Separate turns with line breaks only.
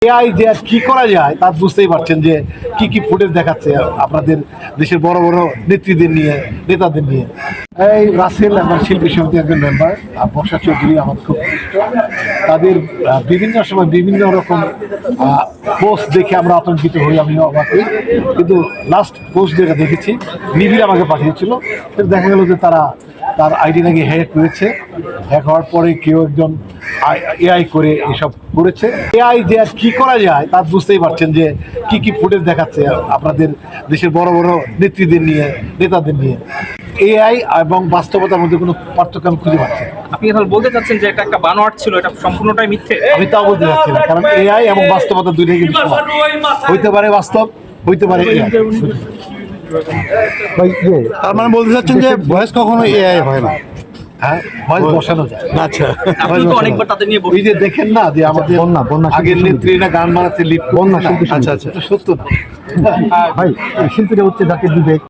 AI যে আর কি করা যায় তা বুঝতেই পারছেন যে কি কি ফুটেজ দেখাচ্ছে আপনাদের দেশের বড় বড় নেত্রীদের নিয়ে, নেতাদের নিয়ে। এই রাসেল আমার শিল্পী সমিতির একজন মেম্বার, আর বর্ষা চৌধুরী আমার খুব ঘনিষ্ঠ। তাদের বিভিন্ন সময় বিভিন্ন রকম পোস্ট দেখে আমরা আতঙ্কিত হই, আমিও অবাক হই। কিন্তু লাস্ট পোস্ট যেটা দেখেছি, নিবিড় আমাকে পাঠিয়েছিল, কিন্তু দেখা গেল যে তার আইডি নাকি হ্যাক করেছে। হ্যাক হওয়ার পরে কেউ একজন এআই করে এসব করেছে। এআই যে আর কি করা যায় তা বুঝতেই পারছেন যে কি কি ফুটেজ দেখাচ্ছে আপনাদের দেশের বড় বড় নেত্রীদের নিয়ে, নেতাদের নিয়ে। এআই এবং বাস্তবতার মধ্যে কোনো পার্থক্য আমি খুঁজে পাচ্ছি না।
আপনি তাহলে বলতে চাচ্ছেন যে এটা একটা বানোয়াট ছিল, এটা সম্পূর্ণটাই মিথ্যে?
আমি তাও বলতে চাচ্ছি না, কারণ এআই এবং বাস্তবতা দুইটাই কিন্তু সমান। হইতে পারে বাস্তব, হইতে পারে এআই।
তার মানে বলতে চাচ্ছেন যে ভয়েস কখনো এআই হয় না?
হ্যাঁ, ভয়েস বসানো যায়।
আচ্ছা,
আপনি তো অনেকবার তাদের নিয়ে
এই যে দেখেন না যে আমাদের
বন্যা
আগের নেত্রীরা গান বানাতে লিপ,
বন্যা শিল্পী সমিতি।
আচ্ছা, সত্য না
ভাই শিল্পীরা হচ্ছে জাতির বিবেক।